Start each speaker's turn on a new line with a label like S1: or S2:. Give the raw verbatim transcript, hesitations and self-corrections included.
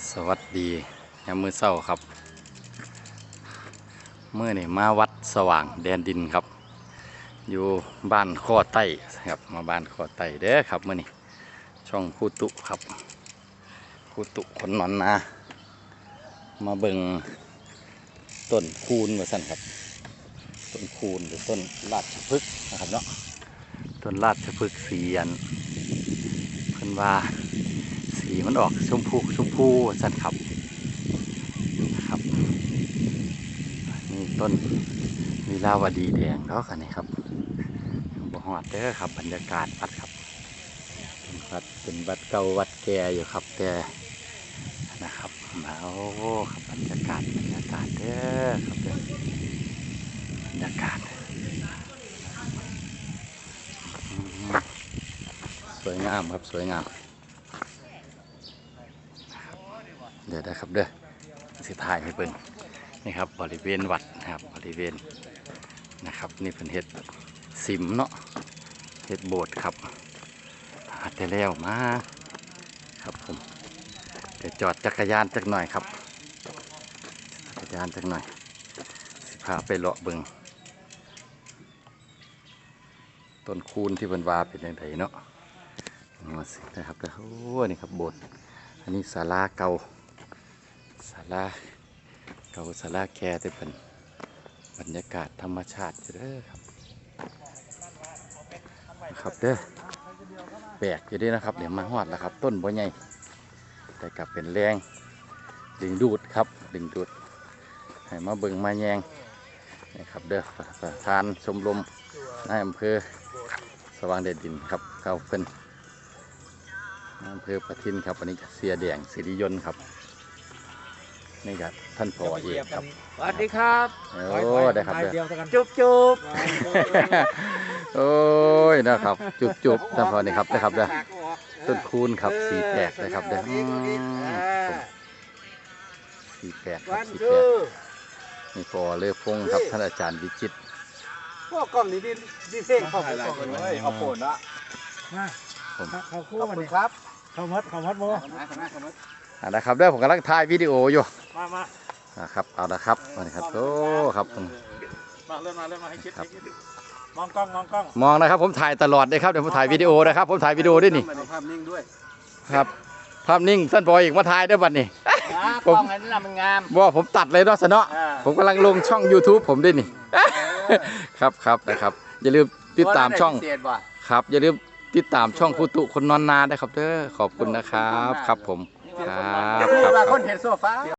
S1: สวัสดียามมื้อเช้าครับเมื่อนี่มาวัดสว่างแดนดินครับอยู่บ้านข้อไต้ครับมาบ้านข้อไต้เด้อครับเมื่อนี่ช่องคูตุครับคูตุคนนอนนามาเบิ่งต้นคูนว่าสั่นครับต้นคูนหรือต้นราชพฤกษ์นะครับเนาะต้นราชพฤกษ์สีอันเพิ่นว่าสีมันออกชมพูชมพูสั่นครับครับนี่ต้นลีลาวดีแดงแล้วกันนี่ครับบ่ฮอดเด้อครับบรรยากาศวัดครับเป็นวัดเป็นวัดเก่าวัดแก่อยู่ครับแต่นะครับมาโอ้ครับบรรยากาศบรรยากาศเด้อครับเด้อบรรยากาศสวยงามครับสวยงามเดี๋ยวนะครับเด้อสิถ่ายให้เบิ่งนี่ครับบริเวณวัดนะครับบริเวณนะครับนี่เป็นเห็ดสิมเนาะเห็ดโบสถ์ครับหาแต่แล้วมาครับผมเดี๋ยวจอดจักรยานจักหน่อยครับจักรยานจักหน่อยสิพาไปเลาะเบิ่งต้นคูนที่เป็นวาเป็นยังไงเนาะมาสินะครับเด้อโอ้นี่ครับโบสถ์อันนี้ศาลาเก่าศาลาเก่าศาลาแก่ที่เป็นบรรยากาศธรรมชาติเด้อครับครับเด้อแปลกอยู่ดีนะครับเดี๋ยวมาฮอดแล้วครับต้นบัวใหญ่แต่กลับเป็นแรงดึงดูดครับดึงดูดให้มาเบิ่งมาแยงนี่ครับเด้อประธานชมรมนายอำเภอสว่างแดนดินครับเข้าเพิ่นอำเภอประทินครับวันนี้เสียแดงสิริยนต์ครับนี่ครับท่านผอเอกครับ
S2: สวัสดีครับ
S1: โอ้ได้ครับเด้อ
S2: จุ๊บจุ๊บ
S1: โอ้ยนะครับจุบจุบท่านผอนี่ครับได้ครับเด้อต้นคูนครับสีแปลกเลยครับเด้อสีแปลกครับสีแปลกนี่ผอเลือพงครับท่านอาจารย์วิจิตร
S2: พวกกล้องนี้ดีเส้นเข้าไปก่อนเลยเอาโผล่ละมาเขาคู่มาเลยครับเขามัดเขามัดโม
S1: อ่านะครับเด้อผมกำลังถ่ายวิดีโออยู่
S2: มามา
S1: ครับเอาละครับนี่ครับโอ้ครับ
S2: มาเริ่มมาเริ่มมาให้คิดมองกล้องมองกล้อง
S1: มองนะครับผมถ่ายตลอดเลยครับเดี๋ยวผมถ่ายวิดีโอนะครับผมถ่ายวิดีโอด้วยนี่
S2: ภาพนิ่งด้วย
S1: ครับภาพนิ่งท่านผออีกมาถ่ายด้วยบัดนี้
S2: กล้องนั้นมันงาม
S1: ว่าผมตัดเลยเนาะสนอผมกำลังลงช่อง ยูทูบ ผมด้วยนี่ครับครับนะครับอย่าลืมติดตามช่องครับอย่าลืมติดตามช่องคูตุคนนอนนาได้ครับเด้อขอบคุณนะครับครับผมครับครับ